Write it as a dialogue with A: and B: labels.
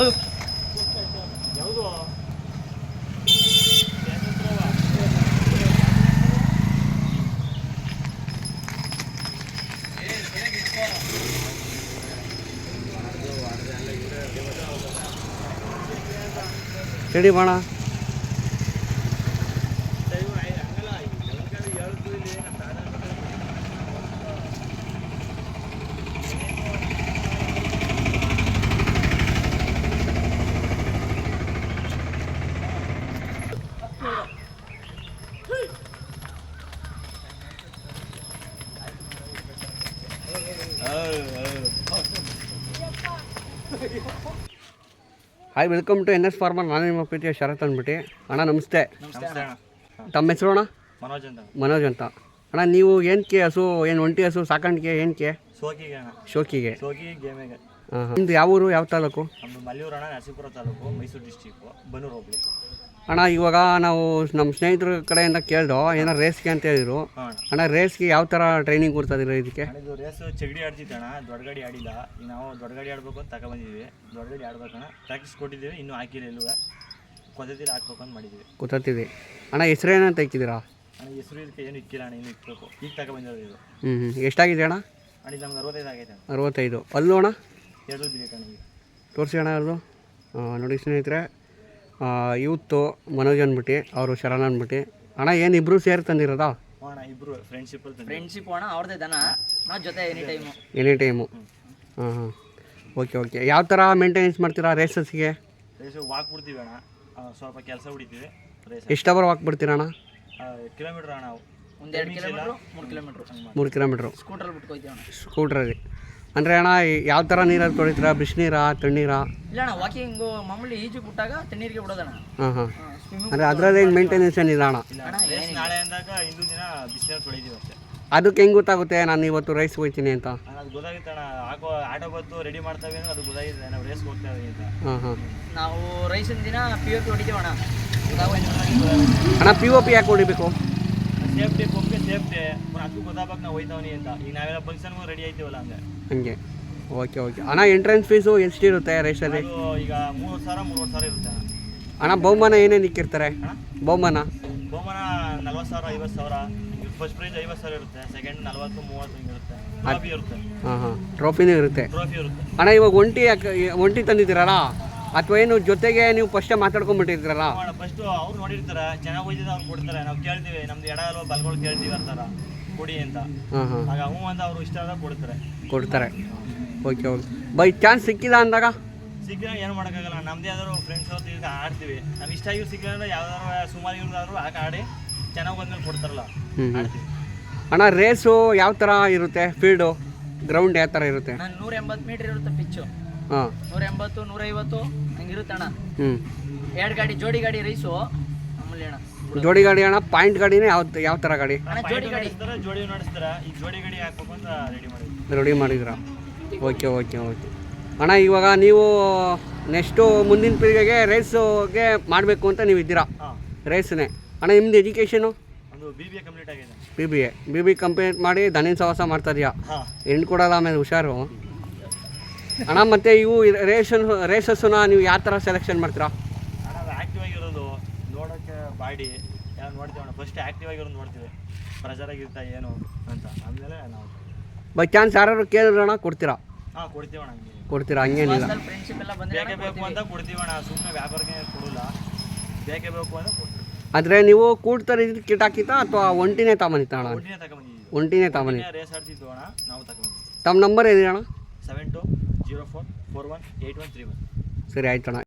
A: ಯಾವುದು
B: ರೆಡಿ ಬಾಣ. Hi, welcome to NS farmer. ನಾನು ನಿಮ್ಮ ಪ್ರೀತಿಯ ಶರತ್ ಅಂದ್ಬಿಟ್ಟು. ಅಣ್ಣ ನಮಸ್ತೆ. ತಮ್ಮ ಹೆಸರು ಅಣ್ಣ? ಮನೋಜ್ ಅಂತ. ಅಣ್ಣ ನೀವು ಏನಕ್ಕೆ ಹಸು, ಏನು ಒಂಟಿ ಹಸು ಸಾಕಾಣಿಕೆ ಏನಕ್ಕೆ? ಶೋಕಿಗೆ. ಹಾಂ. ನಿಮ್ದು ಯಾವ ಊರು, ಯಾವ ತಾಲೂಕು?
A: ಮಲ್ಲಿಯೂರು ಅಣ್ಣ, ನರಸೀಪುರ ತಾಲೂಕು, ಮೈಸೂರು ಡಿಸ್ಟಿಕ್ಕು, ಬನ್ನೂರು ಹೋಬಳಿ.
B: ಅಣ್ಣ ಇವಾಗ ನಾವು ನಮ್ಮ ಸ್ನೇಹಿತರ ಕಡೆಯಿಂದ ಕೇಳ್ದೋ ಏನೋ ರೇಸ್ಗೆ ಅಂತ ಹೇಳಿದ್ರು. ಅಣ್ಣ ರೇಸ್ಗೆ ಯಾವ ಥರ ಟ್ರೈನಿಂಗ್ ಕೊಡ್ತಾಯಿದ್ರು ಇದಕ್ಕೆ?
A: ಇದು ರೇಸ್ ಚಗಡಿ ಆಡ್ತಿತ್ತು ಅಣ್ಣ, ದೊಡ್ಡ ಗಾಡಿ ಆಡಿಲ್ಲ. ಈಗ ನಾವು ದೊಡ್ಡ ಗಾಡಿ ಆಡ್ಬೇಕು ಅಂತ ತಗೊಬಂದಿದ್ವಿ. ದೊಡ್ಡ ಗಾಡಿ ಆಡ್ಬೇಕಣ್ಣ, ಪ್ರಾಕ್ಟೀಸ್ ಕೊಟ್ಟಿದ್ದೀವಿ, ಇನ್ನೂ ಹಾಕಿಲ್ಲ. ಎಲ್ಲೂ ಕೊತ್ತಿದ್ದೀರಿ ಹಾಕ್ಬೇಕು ಅಂತ ಮಾಡಿದ್ದೀವಿ.
B: ಗೊತ್ತಿದೆ ಅಣ್ಣ. ಹೆಸರೇನಂತ ಇಕ್ಕಿದ್ದೀರಾ?
A: ಅಣ್ಣ ಹೆಸರು ಇದಕ್ಕೆ ಏನು ಇಕ್ಕಿಲ್ಲ ಅಣ್ಣ, ಇನ್ನೂ ಇಕ್ಬೇಕು. ಈಗ ತಗೊಬಂದಿರೋದು ಇದು.
B: ಎಷ್ಟಾಗಿದೆ ಅಣ್ಣ?
A: ಅಣ್ಣ ನಮ್ಗೆ 65 ಆಗೈತೆ.
B: 65. ಅಲ್ಲೂ ಅಣ್ಣ
A: 2 ಬಿದ್ದೈತೆ ಅಣ್ಣ.
B: ತೋರಿಸಿ ಅಣ್ಣ ಅಲ್ಲೂ. ನೋಡಿ ಸ್ನೇಹಿತರೆ, ಯೂತು ಮನೋಜ್ ಅಂದ್ಬಿಟ್ಟು, ಅವರು ಶರಣ ಅಂದ್ಬಿಟ್ಟು. ಅಣ್ಣ ಏನು ಇಬ್ಬರು ಸೇರಿ ತಂದಿರೋದಾ?
A: ಅಣ್ಣ ಇಬ್ಬರು ಫ್ರೆಂಡ್ಶಿಪ್
C: ಅಣ್ಣ, ಅವ್ರದ್ದೇ ದನ, ನಾವು ಜೊತೆ
B: ಎನಿ ಟೈಮು. ಹಾಂ. ಓಕೆ. ಯಾವ ಥರ ಮೇಂಟೆನೆನ್ಸ್ ಮಾಡ್ತೀರಾ ರೇಸಸ್ಗೆ?
A: ವಾಕ್ ಬಿಡ್ತೀವಿ ಅಣ್ಣ, ಸ್ವಲ್ಪ ಕೆಲಸ ಹೊಡಿತೀವಿ.
B: ಎಷ್ಟು ಅವರ್ ವಾಕ್ ಬಿಡ್ತೀರಾ ಅಣ್ಣ?
A: ಕಿಲೋಮೀಟ್ರ್ ಅಣ್ಣ,
C: 1-2 ಕಿಲೋಮೀಟ್ರು,
B: 3 ಕಿಲೋಮೀಟ್ರು
C: ಸ್ಕೂಟ್ರಲ್ಲಿ ಬಿಟ್ಕೊಯ್ತೀವಿ ಅಣ್ಣ.
B: ಸ್ಕೂಟ್ರಲ್ಲಿ ಅಂದರೆ ಅಣ್ಣ ಯಾವ ಥರ ನೀರಲ್ಲಿ ತೊಳಿತೀರಾ? ಬಿಸಿನೀರಾ, ತಣ್ಣೀರಾ?
C: ಇಲ್ಲ ಅಣ್ಣ, ವಾಕಿಂಗು ಮಾಮೂಲಿ ಈಜು ಬಿಟ್ಟಾಗ ತಣ್ಣೀರಿಗೆ ಬಿಡೋದಣ್ಣ.
B: ಹಾಂ. ಅಂದರೆ ಅದರಲ್ಲಿ ಏನು ಮೇಂಟೆನೆನ್ಸ್ ಏನಿಲ್ಲ ಅಣ್ಣ?
A: ನಾಳೆ ಅಂದಾಗ ಇಂದು ದಿನ ಬಿಸಿನೀರು ತೊಳಿತೀವಿ ಅಷ್ಟೇ.
B: ಅದಕ್ಕೆ ಹೆಂಗೆ ಗೊತ್ತಾಗುತ್ತೆ ನಾನು ಇವತ್ತು ರೈಸ್ ಹೋಗ್ತೀನಿ ಅಂತ?
A: ಅದು ಗೊತ್ತಾಗುತ್ತೆ ಅಣ್ಣ, ಆಟೋ ಬತ್ತು ರೆಡಿ ಮಾಡ್ತಾವೆ ಅಂದ್ರೆ ಅದು ಗೊತ್ತಾಗಿದೆ ನಾವು ರೇಸ್ಗೆ ಹೋಗ್ತಾವೆ ಅಂತ.
B: ಹಾಂ.
C: ನಾವು ರೈಸಿನ ದಿನ POP ಹೊಡಿತೀವಿ ಅಣ್ಣ.
B: ಅಣ್ಣ POP ಯಾಕೆ ಹೊಡಿಬೇಕು?
A: ಸೇಫ್ಟಿ, ಪಂಪ್ಗೆ ಸೇಫ್ಟಿ, ಅದಕ್ಕೂ ಗೊತ್ತಾಗಬೇಕು ನಾವು ಹೋಯ್ತಾವನಿ ಅಂತ. ಈಗ ನಾವೆಲ್ಲ ಫಂಕ್ಷನ್ಗೂ ರೆಡಿ ಆಯ್ತೀವಲ್ಲ
B: ಹಂಗೆ. ಓಕೆ. ಅಣ್ಣ ಎಂಟ್ರೆನ್ಸ್ ಫೀಸು ಎಷ್ಟಿರುತ್ತೆ ರೈಸಲ್ಲಿ?
A: ಈಗ 3,000 ಇರುತ್ತೆ
B: ಅಣ್ಣ. ಬಹುಮಾನ ಏನೇನು ಇಕ್ಕಿರ್ತಾರೆ? ಬಹುಮಾನ
A: 40,000, 50,000. ಫಸ್ಟ್ ಪ್ರೈಸ್ 50,000 ಇರುತ್ತೆ, ಸೆಕೆಂಡ್ 40, 30 ಹಿಂಗಿರುತ್ತೆ. ಟ್ರೋಫಿ ಇರುತ್ತೆ.
B: ಹಾಂ. ಟ್ರೋಫಿನೂ ಇರುತ್ತೆ. ಅಣ್ಣ ಇವಾಗ ಒಂಟಿ ತಂದಿದ್ದೀರಲ್ಲ, ಅಥವಾ ಏನು ಜೊತೆಗೆ ನೀವು ಫಸ್ಟೇ ಮಾತಾಡ್ಕೊಂಡ್ಬಿಟ್ಟಿರ್ತೀರಲ್ಲ?
A: ಫಸ್ಟ್ ಅವ್ರು ನೋಡಿರ್ತಾರೆ, ಚೆನ್ನಾಗಿ ಹೋಯ್ತಿದೆ ಅವ್ರು ಕೊಡ್ತಾರೆ. ನಾವು ಕೇಳ್ತೀವಿ, ನಮ್ದು ಎಡ ಅಲ್ವಾ ಬಲ್ಗಳು ಕೇಳ್ತೀವಿ ಅಂತಾರ ಕೊಡಿ ಅಂತ. ಆಗ ಹ್ಞೂ ಅಂತ ಅವರು ಇಷ್ಟ ಆದಾಗ ಕೊಡ್ತಾರೆ. ಓಕೆ. ಬೈ ಚಾನ್ಸ್ ಸಿಕ್ಕಿಲ್ಲ ಅಂದಾಗ? ಸಿಕ್ಕಿದ್ರೆ ಏನು ಮಾಡೋಕ್ಕಾಗಲ್ಲ. ನಮ್ಮದೇ ಯಾವ್ದಾದ್ರು ಫ್ರೆಂಡ್ಸ್ ಅವ್ರು ಈಗ ಆಡ್ತೀವಿ. ನಾವು ಇಷ್ಟ ಆಗಿರೋ ಸಿಕ್ಕಿಲ್ಲ ಅಂದ್ರೆ ಯಾವ್ದಾದ್ರು ಸುಮಾರು ಇವ್ರದಾದ್ರು ಆಡಿ ಚೆನ್ನಾಗಿ ಬಂದ್ಮೇಲೆ ಕೊಡ್ತಾರಲ್ಲ, ಆಡ್ತೀವಿ.
B: ಅಣ್ಣ ರೇಸು ಯಾವ ಥರ ಇರುತ್ತೆ? ಫೀಲ್ಡು ಗ್ರೌಂಡ್ ಯಾವ ಥರ ಇರುತ್ತೆ?
C: 180 ಮೀಟರ್ ಇರುತ್ತೆ ಪಿಚ್ಚು.
B: ಹಾಂ.
C: 180, 150 ಹಂಗಿರುತ್ತೆ ಅಣ್ಣ.
B: 2
C: ಗಾಡಿ ಜೋಡಿ ಗಾಡಿ ರೈಸು ಮಾಮೂಲಿ ಅಣ್ಣ.
B: ಜೋಡಿ ಗಾಡಿ ಅಣ್ಣ? ಪಾಯಿಂಟ್ ಗಾಡಿನೇ ಯಾವ ಥರ ಗಾಡಿ?
A: ಜೋಡಿ ನಡೆಸ್ತಾರೆ. ಈಗ ಜೋಡಿ ಗಾಡಿ ಹಾಕ್ಬೇಕು ಅಂತ
B: ರೆಡಿ ಮಾಡಿದ್ರಾ? ಓಕೆ. ಅಣ್ಣ ಇವಾಗ ನೀವು ನೆಕ್ಸ್ಟು ಮುಂದಿನ ಪೀಳಿಗೆಗೆ ರೇಸ್ಗೆ ಮಾಡಬೇಕು ಅಂತ ನೀವು ಇದ್ದೀರಾ? ರೇಸ್ನೇ. ಅಣ್ಣ ನಿಮ್ದು ಎಜುಕೇಷನು?
A: BBA ಕಂಪ್ಲೀಟ್ ಆಗಿದೆ.
B: BBA ಕಂಪ್ಲೀಟ್ ಮಾಡಿ ದನಿನ ಸವಾಸ ಮಾಡ್ತಾ ಇದೆಯಾ? ಹೆಣ್ಣು ಕೊಡೋಲ್ಲ ಆಮೇಲೆ ಹುಷಾರು. ಅಣ್ಣ ಮತ್ತು ಇವು ರೇಸಸ್ಸನ್ನ ನೀವು ಯಾವ ಥರ ಸೆಲೆಕ್ಷನ್ ಮಾಡ್ತೀರಾ?
A: ಅಣ್ಣ ಆ್ಯಕ್ಟಿವ್ ಆಗಿರೋದು ನೋಡೋಕ್ಕೆ ಬಾಡಿ ಯಾವ ನೋಡ್ತೀವಿ ಅಣ್ಣ. ಫಸ್ಟ್ ಆ್ಯಕ್ಟಿವ್ ಆಗಿರೋದು ನೋಡ್ತೀವಿ, ಪ್ರೆಷರಾಗಿರ್ತಾ ಏನು ಅಂತ. ಆಮೇಲೆ ನಾವು
B: ಬೈ ಚಾನ್ಸ್ ಯಾರು ಕೇಳಿದ್ರಣ್ಣ ಕೊಡ್ತೀರಾ?
A: ಕೊಡ್ತೀವಿ ಅಣ್ಣ.
B: ಕೊಡ್ತೀರಾ? ಹಂಗೇನಿಲ್ಲ.
A: ಬೇಕೇ ಬೇಕು ಅಂತ ಕೊಡ್ತೀವಿ ಅಣ್ಣ, ಸುಮ್ಮನೆ ವ್ಯಾಪಾರಕ್ಕೆ ಕೊಡಲ್ಲ. ಬೇಕೇ ಬೇಕು ಅಂತ ಕೊಡ್ತೀವಿ.
B: ಆದರೆ ನೀವು ಕೂಡ್ತಾರೆ ಕಿಟ್ ಹಾಕಿತಾ ಅಥವಾ ಒಂಟಿನೇ ತಗೊಂಡಿತ್ತ ಅಣ್ಣ? ಒಂಟಿನೇ ತಗೊಂಡಿದ್ದ.
A: ರೇಸ್ ಆಡ್ತಿದ್ವು ಅಣ್ಣ, ನಾವು ತಗೊಂಡಿದ್ವಿ.
B: ತಮ್ಮ ನಂಬರ್ ಇದೆ ಅಣ್ಣ?
A: 7204418131.
B: ಸರಿ ಆಯ್ತು ಅಣ್ಣ.